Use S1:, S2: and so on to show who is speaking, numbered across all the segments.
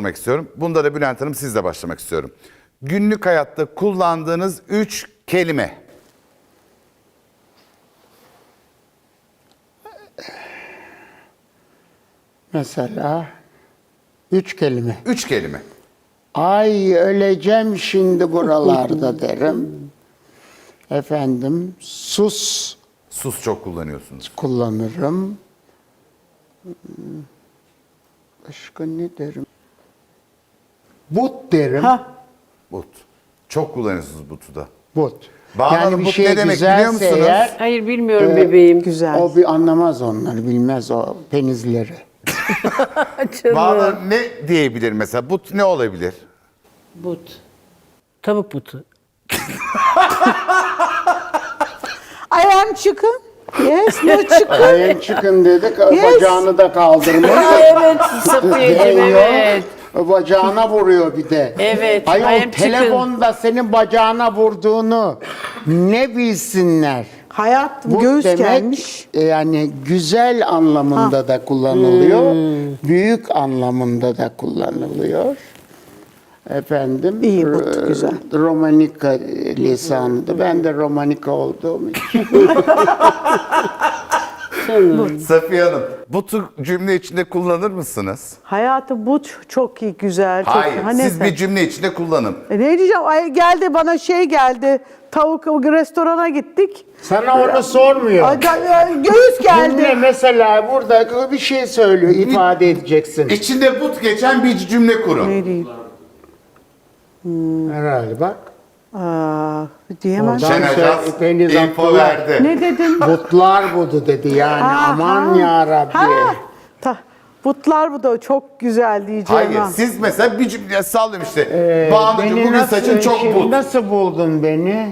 S1: sormak istiyorum. Bunda da Bülent Hanım sizle başlamak istiyorum. Günlük hayatta kullandığınız 3 kelime.
S2: Mesela 3 kelime.
S1: 3 kelime.
S2: Ay öleceğim şimdi buralarda derim. Efendim sus
S1: Sus çok kullanıyorsunuz.
S2: kullanırım. Başka ne derim? But derim.
S1: But. Çok kullanıyorsunuz butu da.
S2: But.
S1: Banu Hanım, but ne demek biliyor musunuz?
S2: eğer,
S3: Hayır bilmiyorum bebeğim.
S4: Güzel.
S2: o bir anlamaz onları, bilmez o penizleri.
S1: Banu Hanım ne diyebilir mesela? But ne olabilir?
S3: But. Tavuk butu.
S4: I am chicken. Yes, no chicken.
S2: Ayın çıkın dedik,
S4: Yes.
S2: bacağını da kaldırmış.
S3: Evet Safiyeciğim
S2: Değiyor,
S3: evet.
S2: bacağına vuruyor bir de.
S3: Evet, I
S2: Ayol
S3: am
S2: telefonda senin bacağına vurduğunu ne bilsinler.
S4: Hayat
S2: Bu
S4: göğüs
S2: demek
S4: gelmiş.
S2: yani güzel anlamında da kullanılıyor. Büyük anlamında da kullanılıyor. Efendim.
S4: İyi, bu güzel.
S2: Romanika lisanıydı. Ben de Romanika olduğum için.
S1: Safiye Hanım, butu cümle içinde kullanır mısınız?
S4: Hayatı bu çok iyi, güzel. Çok
S1: Hayır,
S4: Ha,
S1: siz
S4: neyse.
S1: bir cümle içinde kullanın.
S4: Ne diyeceğim? Ay, geldi bana geldi. Tavuk restorana gittik.
S2: Sana onu sormuyor.
S4: Göğüs geldi.
S2: Cümle mesela burada bir şey söylüyor, ifade edeceksin.
S1: İçinde but geçen bir cümle kurun.
S4: Ne diyeyim?
S2: Herhalde bak.
S4: Diyemem.
S2: Oradan
S1: Şenacaz
S2: Deniz
S1: info
S2: Abdullah.
S1: verdi.
S4: Ne dedin?
S2: Butlar budu dedi yani. Aman ya Rabbi.
S4: Butlar bu da çok güzel diyeceğim.
S1: Hayır,
S4: ha.
S1: siz mesela bir cümle sallıyorum işte. Banu'cum bugün saçın çok but.
S2: Nasıl buldun beni?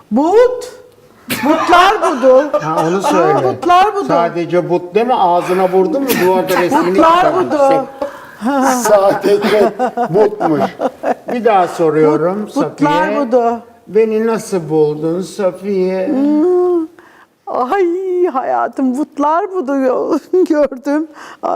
S4: Butlar budu.
S2: Ha, onu söyle.
S4: Butlar budu.
S2: Sadece but deme, ağzına vurdun mu duvarda resmini
S4: Butlar
S2: çıkarmış.
S4: budu.
S2: Sadece butmuş. Bir daha soruyorum
S4: Butlar
S2: Safiye.
S4: budu.
S2: Beni nasıl buldun Safiye?
S4: Ay hayatım butlar budu gördüm.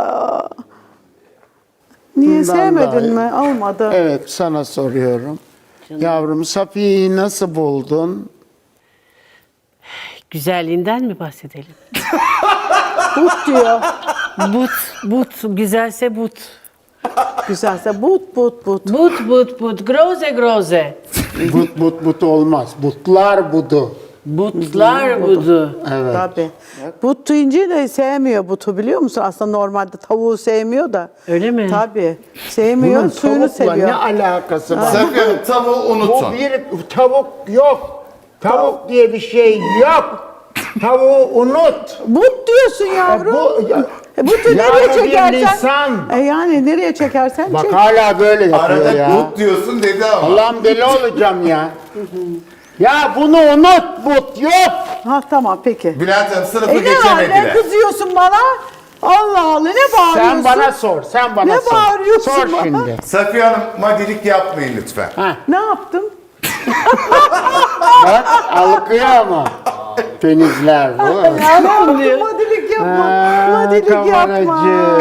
S4: Niye
S2: Bundan
S4: sevmedin
S2: daha
S4: mi? Olmadı.
S2: Evet, sana soruyorum. Yavrum Safiye'yi nasıl buldun?
S3: Güzelliğinden mi bahsedelim?
S4: But diyor.
S3: But, güzelse but.
S4: Güzelse but.
S3: But, groze.
S2: But olmaz. Butlar budu.
S3: Butlar budu.
S2: Evet.
S4: Tabii. But deyince de sevmiyor butu biliyor musun? Aslında normalde tavuğu sevmiyor da.
S3: Öyle mi?
S4: Tabii. Sevmiyor,
S2: Bunun
S4: suyunu
S2: tavukla
S4: seviyor.
S2: ne alakası var?
S1: Safiye Hanım, tavuğu
S2: Bu
S1: unutun.
S2: bir tavuk yok. Tavuk diye bir şey yok. Tavuğu unut.
S4: But diyorsun yavrum. Butu
S2: Ya
S4: nereye
S2: bu bir
S4: çekersen.
S2: lisan.
S4: Yani nereye çekersen
S2: Bak
S4: çek.
S2: hala böyle yapıyor
S1: Arada
S2: ya.
S1: but diyorsun dedi ama.
S2: Allah'ım deli olacağım ya. Ya bunu unut, but yok.
S4: Ha tamam peki.
S1: Bülent Hanım sınıfı
S4: Ne var, ne
S1: geçemediler.
S4: kızıyorsun bana? Allah Allah ne bağırıyorsun?
S2: Sen bana sor, sen bana
S4: Ne
S2: sor.
S4: bağırıyorsun
S2: Sor
S4: bana?
S2: şimdi.
S1: Safiye Hanım, madilik yapmayın lütfen.
S4: Ne yaptım?
S2: Bak alkıyor ama. Penizler bu.
S4: Ne yaptım? Madilik yapma. Madilik yapma.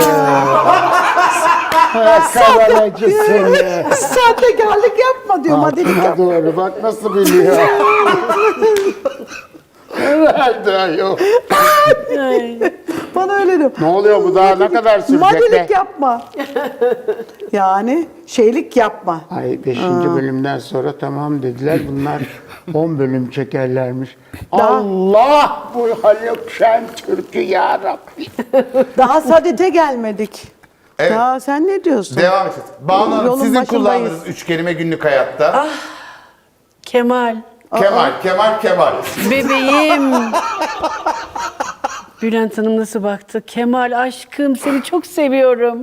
S2: Kavaracı seni.
S4: Sahtekarlık yapma diyor. Madilik
S2: Altına
S4: yapma.
S2: doğru bak nasıl biliyor. Herhalde yok.
S4: Bana öyle diyor.
S2: Ne oluyor bu daha ne kadar sürecek
S4: Madilik
S2: be?
S4: yapma. Yani şeylik yapma.
S2: Ay 5. bölümden sonra tamam dediler. Bunlar 10 bölüm çekerlermiş.
S4: Daha-
S2: Allah bu Haluk Şentürk'ü ya Rabbi.
S4: Daha sadete gelmedik.
S1: Evet.
S4: Daha sen ne diyorsun?
S1: Devam edin. Banu Hanım,
S4: Yolun
S1: sizin
S4: başındayız.
S1: kullandığınız 3 kelime günlük hayatta.
S3: Kemal.
S1: Kemal.
S3: Bebeğim. Bülent Hanım nasıl baktı? Kemal aşkım seni çok seviyorum.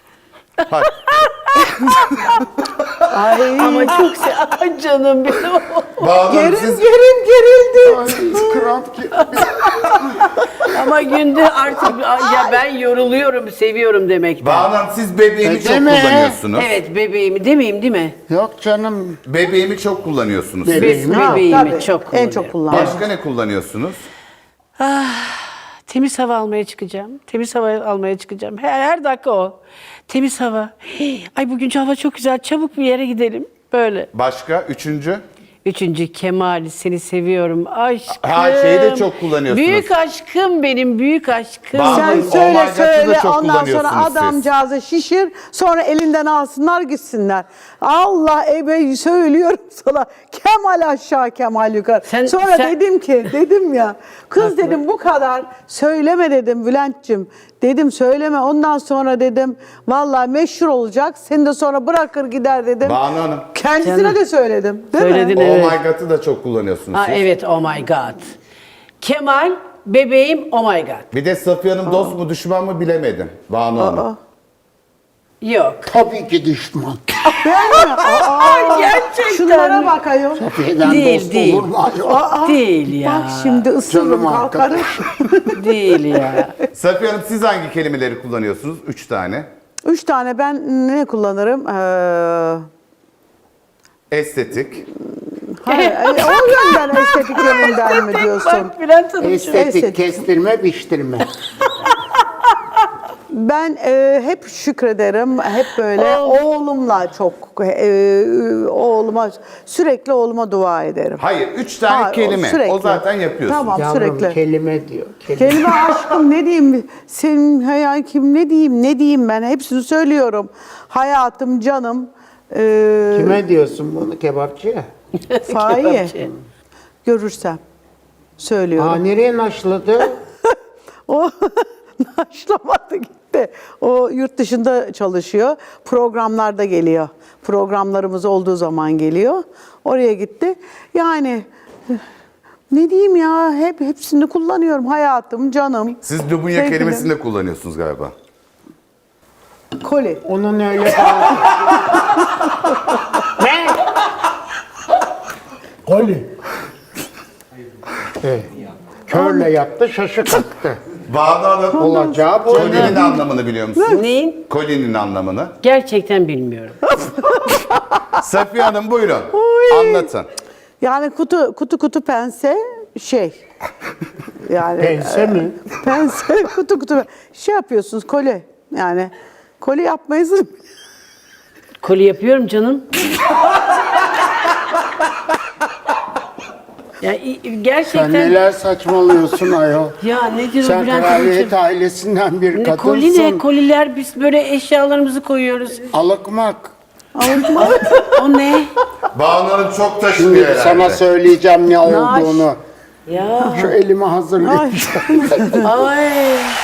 S4: Ay.
S3: Ama çok Ay canım benim.
S1: Banu Hanım, siz
S4: Gerildi.
S2: Ay kramp gitti.
S3: Ama günde artık ya ben yoruluyorum, seviyorum demekten.
S1: Banu Hanım, siz bebeğimi çok
S2: Deme.
S1: kullanıyorsunuz.
S3: Evet bebeğimi demeyeyim değil mi?
S2: Yok canım.
S1: Bebeğimi çok kullanıyorsunuz.
S2: Bebeğimi.
S3: Bebeğimi
S4: Tabii,
S3: çok
S4: en
S3: kullanıyorum.
S4: çok kullandım.
S1: Başka ne kullanıyorsunuz?
S3: Temiz hava almaya çıkacağım. Temiz hava almaya çıkacağım. Her dakika o. Temiz hava. Ay bugünkü hava çok güzel. Çabuk bir yere gidelim. Böyle.
S1: Başka? Üçüncü?
S3: Üçüncü Kemal, seni seviyorum. Aşkım.
S1: Ha, şeyi de çok kullanıyorsunuz.
S3: Büyük aşkım benim, büyük aşkım.
S1: Sen
S4: Sen
S1: Oh my
S4: söyle
S1: God'ı da
S4: söyle
S1: çok
S4: ondan sonra
S1: kullanıyorsunuz siz.
S4: adamcağızı şişir sonra elinden alsınlar gitsinler. Allah söylüyorum sana Kemal aşağı Kemal yukarı. Sonra dedim ya kız dedim bu kadar söyleme dedim Bülent'cim. Dedim söyleme ondan sonra dedim vallahi meşhur olacak seni de sonra bırakır gider dedim.
S1: Banu Hanım.
S4: Kendisine
S3: Canım.
S4: de söyledim değil
S3: Söyledin,
S4: mi?
S3: evet.
S1: Oh my God'ı da çok kullanıyorsunuz
S3: Ha,
S1: siz.
S3: evet, oh my god. Kemal, bebeğim, oh my god.
S1: Bir de Safiye Hanım dost mu düşman mı bilemedim. Banu Hanım.
S3: Yok.
S2: Tabii ki düşman.
S3: Gerçekten.
S4: Şunlara bak ayol.
S2: Safiye'den
S3: Değil,
S2: dost
S3: değil.
S2: olur mu ayol?
S3: Değil ya.
S4: Bak şimdi ısırırım
S2: Canım
S4: kalkarım.
S3: Değil ya.
S1: Safiye Hanım siz hangi kelimeleri kullanıyorsunuz? 3 tane.
S4: 3 tane ben ne kullanırım?
S1: Estetik.
S4: Hayır, o yönden estetik yönünden mi diyorsun?
S3: Bak Bülent Hanım.
S2: Estetik, kestirme, biçtirme.
S4: Ben hep şükrederim, hep böyle oğlumla çok, sürekli oğluma dua ederim.
S1: Hayır 3 tane
S4: Ha,
S1: kelime.
S4: sürekli.
S1: O zaten yapıyorsun.
S4: Tamam.
S2: Yavrum
S4: Sürekli.
S2: kelime diyor. Kelime.
S4: Kelime aşkım ne diyeyim, senin hayal kim ne diyeyim ben hepsini söylüyorum. Hayatım, canım,
S2: Kime diyorsun bunu? Kebapçıya.
S4: Fahiye. Görürsem söylüyorum.
S2: Aa, nereye naşladı?
S4: O naşlamadı gitti. O yurt dışında çalışıyor. Programlarda geliyor. Programlarımız olduğu zaman geliyor. Oraya gitti. Yani ne diyeyim ya hepsini kullanıyorum. Hayatım, canım.
S1: Siz Lubunya
S4: sevgilim.
S1: kelimesini de kullanıyorsunuz galiba.
S4: Koli.
S2: Onun öyle Ne? Koli. Evet. Körle yattı, şaşı kalktı.
S1: Banu Hanım.
S2: Olacağı bu.
S1: Kolinin anlamını biliyor musunuz?
S3: Neyin?
S1: Kolinin anlamını.
S3: Gerçekten bilmiyorum.
S1: Safiye Hanım buyurun. Anlatın.
S4: Yani kutu pense yani
S2: Pense mi?
S4: pense kutu şey yapıyorsunuz koli. Yani koli yapmayız.
S3: Koli yapıyorum canım. Ya gerçekten.
S2: Sen neler saçmalıyorsun ayol.
S3: Ya nedir o
S2: Sen
S3: Bülent
S2: kraliyet
S3: Hanımcığım?
S2: ailesinden bir
S3: Ne
S2: kadınsın.
S3: koli ne? Koliler biz böyle eşyalarımızı koyuyoruz.
S2: Alıkmak.
S3: O ne?
S1: Banu Hanım çok
S2: Şimdi
S1: taşınıyor herhalde.
S2: sana söyleyeceğim ne olduğunu.
S3: Ya.
S2: Şu elimi hazırlayayım.
S3: Ay.